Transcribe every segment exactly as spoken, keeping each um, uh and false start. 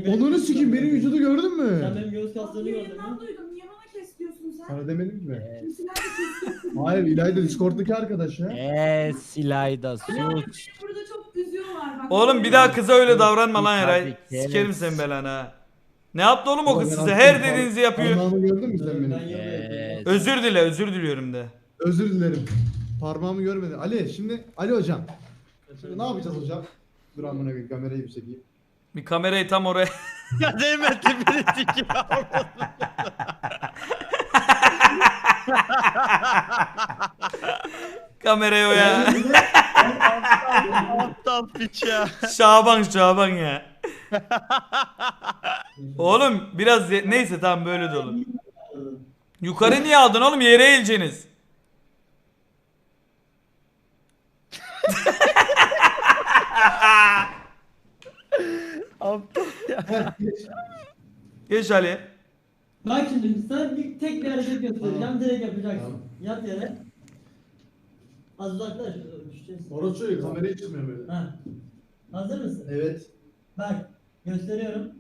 Onunu sikeyim, benim vücudu gördün Sen mü? benim göğüs kaslarını gördün Yayından mü? duydum. Niye bana kes diyorsun sen? Sana demedim ki ben. Yes. Kimsiler de kes diyorsun. Hayır, İlayda Discord'daki arkadaş ya. Yes İlayda sus. Beni burada çok üzüyorlar bak. Oğlum bir daha kıza öyle davranma lan Tabii Eray. ki, Sikerim evet. sen belanı ha. Ne yaptı oğlum o Ulan kız ben size? attım, Her par- dediğinizi yapıyor. Parmağımı gördün mü sen Ben benim? Yes. Özür dile, özür diliyorum de. Özür dilerim. Parmağımı görmedi. Ali şimdi, Ali hocam. Şimdi ne yapacağız hocam? Dur amına koyayım, kamerayı bir çekeyim. Bir kamerayı tam oraya. Ya değmedi beni sikiyor. Kamerayı o ya. Aptal piç ya. Şaban Şaban ya. Oğlum biraz ye- neyse tamam böyle de olur. Yukarı niye aldın oğlum, yere eğileceksiniz. Aptal ya. Geç Ali. Bak şimdi sana bir tek bir hareket göstereceğim. Tamam. Direkt yapacaksın. Tamam. Yat yere. Az uzaklaş. Düşeceğiz. Orası öyle, kamerayı çıkmıyor böyle. Ha. Hazır mısın? Evet. Bak. Gösteriyorum.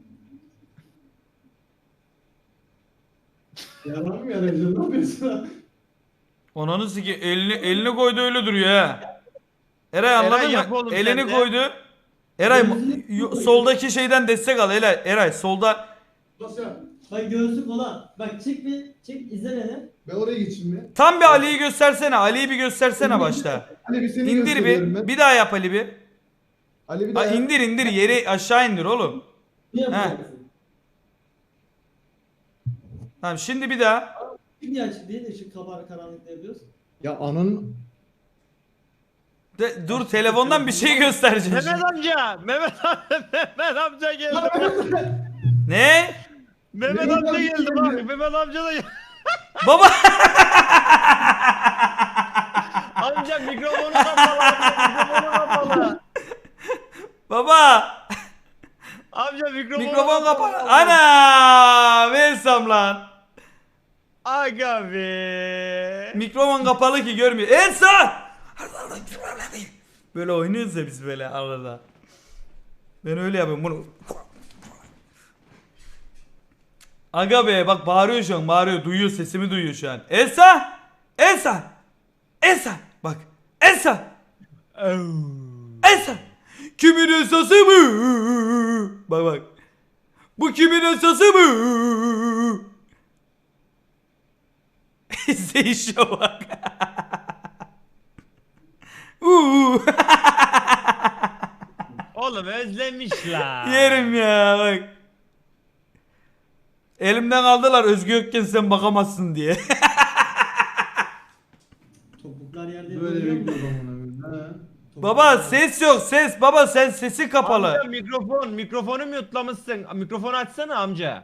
Yalan mı yarayacağım? Ne yapıyorsun? Onanı siki elini elini koydu öyle duruyor ha. Eray anladın Eray, yap mı? oğlum Elini sen de. koydu. Eray Gözünü yu- koy. soldaki şeyden destek al Eray. Eray solda. Nasıl ya? Bak göğsü kola. Bak çık bir. Çık izle beni. Ben oraya geçeyim mi? Tam bir Ali'yi göstersene. Ali'yi bir göstersene başta. Ali bir seni İndir gösteriyorum bir. ben. Bir daha yap Ali bir. Ali bir Ha, daha. indir indir yeri aşağı indir oğlum. Ne yapacaksın? Tamam şimdi bir daha. Niye açık değil de ışık kabar karanlıkta yapıyoruz? Ya ananın... De, dur telefondan bir şey göstereceğim. Mehmet amca. Mehmet amca. Mehmet amca geldi. Ne? Mehmet Mehmet amca amca geldi geldi. bak. Mehmet amca da geldi. Baba. Amca mikrofonu kapalı. Amca mikrofonu kapalı. Baba. Amca mikrofonu Mikrofon kapalı. Ana! Versem lan. Aga be. Mikrofon kapalı ki görmüyor. Elsa! Böyle oynuyoruz ya biz böyle arada. Ben öyle yapıyorum bunu. Aga be bak bağırıyor şu an, bağırıyor, duyuyor, sesimi duyuyor şu an. Elsa! Elsa! Elsa! Bak. Elsa! Elsa! Kimin Elsa'sı mı? Bak bak. Bu kimin Elsa'sı mı? İzleyişe bak. Uuu. Oğlum özlemişler. Yerim ya bak. Elimden aldılar Özgü yokken sen bakamazsın diye. Topuklar yerde Böyle duruyor mu? bekliyorum onu. Ha. Baba ses yok ses. Baba sen sesi kapalı. Amca mikrofon, mikrofonu mutlamışsın. Mikrofonu açsana amca.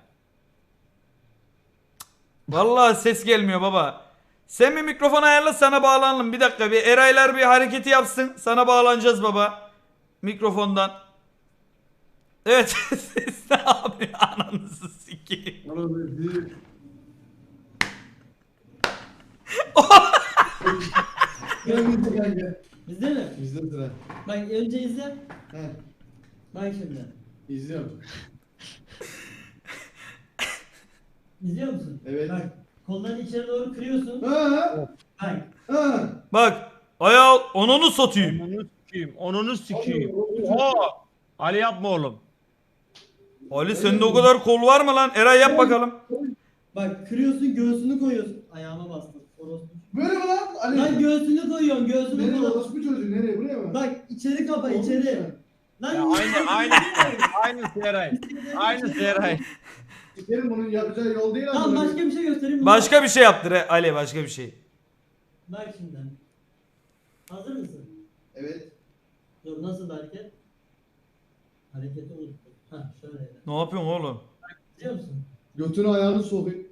Vallahi ses gelmiyor baba. Sen bir mikrofon ayarla sana bağlanalım. Bir dakika bir Eraylar bir hareketi yapsın. Sana bağlanacağız baba. Mikrofondan. Evet ses ne yapıyor ananızı sikeyim. Orada bir... Gel bizde gel gel. Bizde mi? Bizde sıra. Bak önce izle. He. Bak şimdi. İzliyorum. İzliyor musun? Evet. Bak kollarını içeri doğru kırıyorsun. Ha. Bak. Ha. Bak ayağı onunu satayım. Onunu sikeyim, onunu sikeyim. Oha! Ali yapma oğlum. Ali sende o kadar kol var mı lan? Eray yap bakalım. Bak kırıyorsun göğsünü koyuyorsun. Ayağıma bastın. Orospu. Böyle mi lan? Ali. Lan göğsünü koyuyorsun göğsünü Nereye koyuyorsun. orospu çocuğu? Nereye? Buraya mı? Bak içeri kapa içeri. Lan Ya aynı, aynı, aynı Seray. Aynı Seray. Sikerim bunun yapacağı yol değil Tamam başka bir şey göstereyim mi? Başka bir şey yaptır he, Ali başka bir şey. Bak şimdi. Hazır mısın? Evet. Dur nasıl hareket? Hareketi unuttum. Hah şöyle. Ne yapıyorsun oğlum? Biliyor musun? Götünü ayağını sokayım.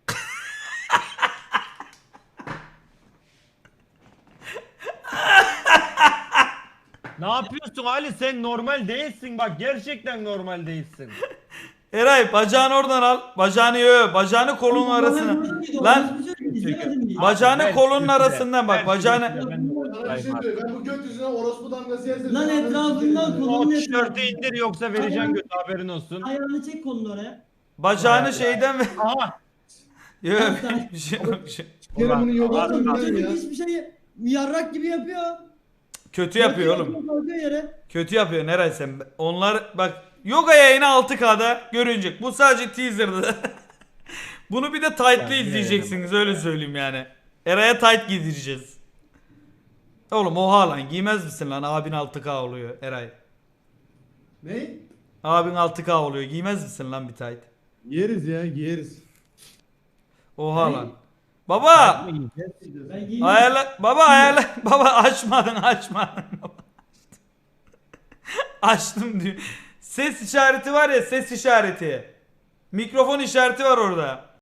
Ne yapıyorsun Ali? Sen normal değilsin bak. Gerçekten normal değilsin. Eray bacağını oradan al. Bacağını yo, bacağını kolunun arasına. Lan bacağını Ben- kolunun ben- arasından bak. ben- Bacağını ben- Sana bir şey söyleyeyim. Ben bu göt yüzüne orospu damgası yersem. Lan sen etrafından ananı kolu- O tişörtü indir yoksa vereceğim götü haberin olsun. Ayağını çek kolunu oraya. Bacağını şeyden ver. Aha. Yok bir şey yok. bir şey. sikerim bunun yogasını Ulan, bilen ya. Çocuk hiçbir şey yarrak gibi yapıyor. Kötü yapıyor oğlum. Kalkıyor yere. Kötü yapıyor Neray sen. Onlar bak yoga yayını altı K'da görünecek. Bu sadece teaser'dı. Bunu bir de tight'lı Yani izleyeceksiniz öyle söyleyeyim yani. Eray'a tight giydireceğiz. Oğlum oha lan giymez misin lan abin altı K oluyor Eray. Ne? Abin altı K oluyor giymez misin lan bir tight? Yeriz ya giyeriz. Oha lan. Baba Ben giyeyim. ayarla baba ayarla baba açmadın açmadın. Açtım diyor. Ses işareti var ya ses işareti. Mikrofon işareti var orada.